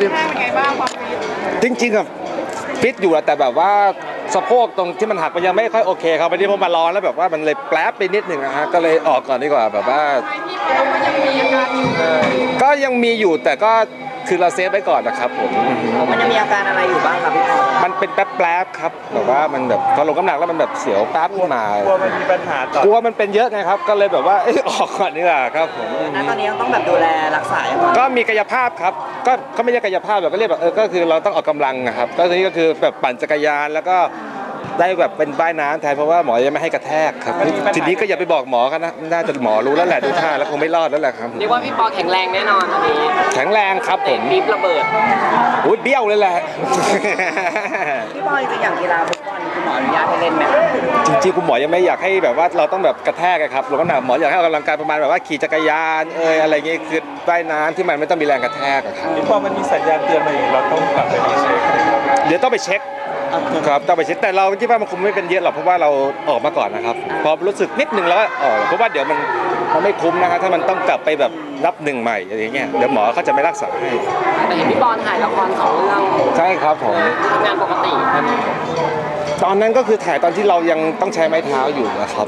เป็นไงบ้างความฟิตจริงๆอะฟิตอยู่แหละแต่แบบว่าสะโพกตรงที่มันหักมันยังไม่ค่อยโอเคครับวันนี้ผมมาร้อนแล้วแบบว่ามันเลยแป๊บไปนิดหนึ่งนะฮะก็เลยออกก่อนดีกว่าแบบว่าที่ปอมันยังมีอาการอยู่ก็ยังมีอยู่แต่ก็คือเราเซฟไว้ก่อนนะครับผมมันจะมีอาการอะไรอยู่บ้างครับพี่ปอมันเป็นแป๊บๆครับแบบว่ามันแบบพอลงน้ำหนักแล้วมันแบบเสียวแป๊บขึ้นมากลัวมันมีปัญหาต่อกลัวมันเป็นเยอะไงครับก็เลยแบบว่าออกก่อนดีกว่าครับผมณตอนนี้ต้องแบบดูแลรักษาอย่างไรก็มีกายภาพครับก็ไม่ใช่กายภาพแบบก็เรียกแบบก็คือเราต้องออกกำลังนะครับก็คือนี่ก็คือแบบปั่นจักรยานแล้วก็ได้แบบเป็นว่ายน้ำแทนเพราะว่าหมอยังไม่ให้กระแทกครับทีนี้ก็อย่าไปบอกหมอกันนะน่าจะหมอรู้แล้วแหละดูท่าแล้วคงไม่รอดแล้วแหละครับเรียกว่าพี่ปอแข็งแรงแน่นอนตอนนี้แข็งแรงครับผมปี๊บระเบิดอุ้ยเบี้ยวเลยแหละพี่ปอจริงๆอย่างกีฬาฟุตบอลคุณหมออนุญาตให้เล่นไหมครับจริงๆคุณหมอยังไม่อยากให้แบบว่าเราต้องแบบกระแทกครับหรือว่าหมออยากให้ออกกำลังกายประมาณแบบว่าขี่จักรยานอะไรเงี้ยคือว่ายน้ำที่มันไม่ต้องมีแรงกระแทกครับพอมันมีสัญญาณเตือนมาอย่างเราต้องกลับไปเช็คเดี๋ยวต้องไปเช็คครับต้องไปเช็คแต่เราคิดว่ามันคงไม่เป็นเยอะหรอกเพราะว่าเราออกมาก่อนนะครับพอรู้สึกนิดนึงแล้วก็ออกเพราะว่าเดี๋ยวมันไม่คุ้มนะครับถ้ามันต้องกลับไปแบบนับหนึ่งใหม่อะไรเงี้ยเดี๋ยวหมอเขาจะไม่รักษาให้แต่เห็นพี่ปอถ่ายละคร2 เรื่องใช่ครับผมทำงานปกติตอนนั้นก็คือถ่ายตอนที่เรายังต้องใช้ไม้เท้าอยู่นะครับ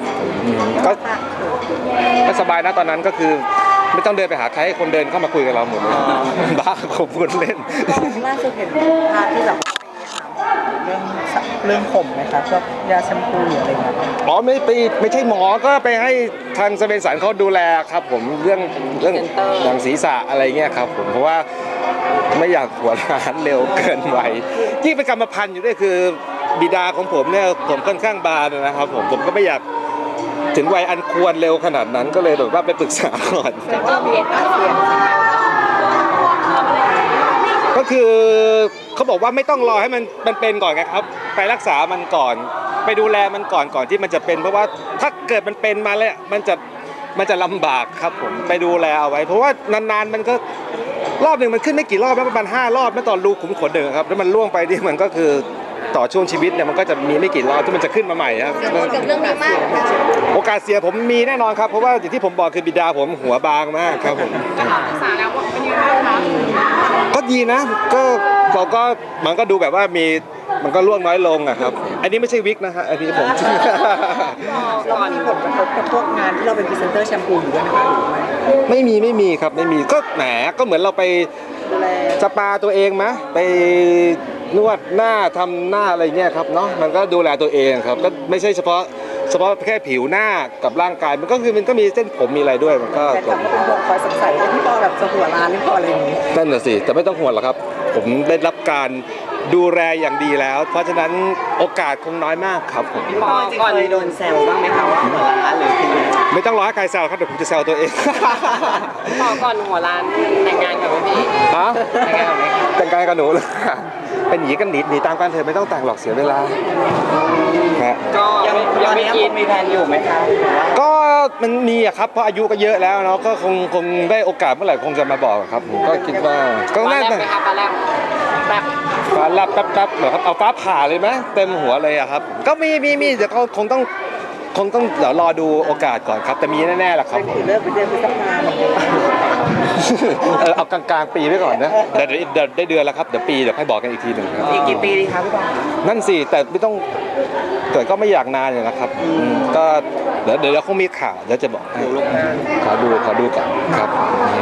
ก็สบายนะตอนนั้นก็คือไม่ต้องเดินไปหาใครให้คนเดินเข้ามาคุยกับเราหมดเลยบ้าผมพูดเล่นล่าสุดเห็นภาพที่แบบเรื่องผมไหมครับพวกยาแชมพูหรืออะไรเงี้ยอ๋อไม่ใช่หมอก็ไปให้ทางสเปนสันเขาดูแลครับผมเรื่องหนังศีรษะอะไรเงี้ยครับผมเพราะว่าไม่อยากหัวร้านเร็วเกินวัยที่เป็นกรรมพันธุ์อยู่ด้วยคือบิดาของผมเนี่ยผมค่อนข้างบานนะครับผมก็ไม่อยากถึงวัยอันควรเร็วขนาดนั้นก็เลยแบบว่าไปปรึกษาก่อนก็คือเขาบอกว่าไม่ต้องรอให้มันเป็นก่อนไงครับไปรักษามันก่อนไปดูแลมันก่อนที่มันจะเป็นเพราะว่าถ้าเกิดมันเป็นมาแล้วมันจะลำบากครับผมไปดูแลเอาไว้เพราะว่านานๆมันก็รอบหนึ่งมันขึ้นไม่กี่รอบนะประมาณ5 รอบนะตอนรูขุมขนเดิมครับแล้วมันล่วงไปนี่มันก็คือต่อช่วงชีวิตเนี่ยมันก็จะมีไม่กี่รอบที่มันจะขึ้นมาใหม่ครับเรื่องนี้มากโอกาสเสียผมมีแน่นอนครับเพราะว่าอย่างที่ผมบอกคือบิดาผมหัวบางมากครับผมศึกษาแล้วว่าเป็นยังไงบ้างคะก็ดีนะก็มันก็ดูแบบว่ามันก็ล่วงน้อยลงอะครับอันนี้ไม่ใช่วิกนะฮะอันนี้ผมแล้วมีผลกระทบกับพวกงานที่เราเป็นพรีเซนเตอร์แชมพูอยู่ด้วยไหมครับไม่มีครับไม่มีก็แหมก็เหมือนเราไปสปาตัวเองไหมไปนวดหน้าทำหน้าอะไรเงี้ยครับเนาะมันก็ดูแลตัวเองครับก็ไม่ใช่เฉพาะแค่ผิวหน้ากับร่างกายมันก็มีเส้นผมมีอะไรด้วยมันก็แต่กับเป็นพวกคอยสงสัยว่าพี่ปอแบบจะหัวร้านหรือเปล่าอะไรอย่างนี้นั่นน่ะสิแต่ไม่ต้องห่วงหรอกครับผมได้รับการดูแลอย่างดีแล้วเพราะฉะนั้นโอกาสคงน้อยมากครับผมพี่ปอเคยโดนแซวบ้างไหมครับว่าหัวร้านหรือคือไม่ต้องรอให้ใครแซวครับเดี๋ยวผมจะแซวตัวเองพี่ปอก่อนหัวร้านแต่งงานกับพี่ฮะแต่งงานกับหนูเลยเป็นหนีกันหนีตามกันเถอะไม่ต้องแต่งหรอกเสียเวลาก็ยังไม่คิดมีแผนอยู่ไหมครับก็มันมีอะครับเพราะอายุก็เยอะแล้วเนาะก็คงได้โอกาสเมื่อไหร่คงจะมาบอกครับผมก็คิดว่าก็น่าจะฟ้าแลบฟ้าแลบแป๊บเหรอครับเอาฟ้าผ่าเลยไหมเต็มหัวเลยอะครับก็มีเดี๋ยวเขาคงต้องเดี๋ยวรอดูโอกาสก่อนครับแต่มีแน่ๆแหละครับเลิกไปเดือนพฤษภาคมเอากลางปีไว้ก่อนนะเดี๋ยวได้เดือนแล้วครับเดี๋ยวให้บอกกันอีกทีหนึ่งครับอีกกี่ปีดีครับพี่ปอนั่นสิแต่ไม่ต้องแต่ก็ไม่อยากนานเลยนะครับก็เดี๋ยวคงมีข่าวเดี๋ยวจะบอกให้ขอดูก่อนครับ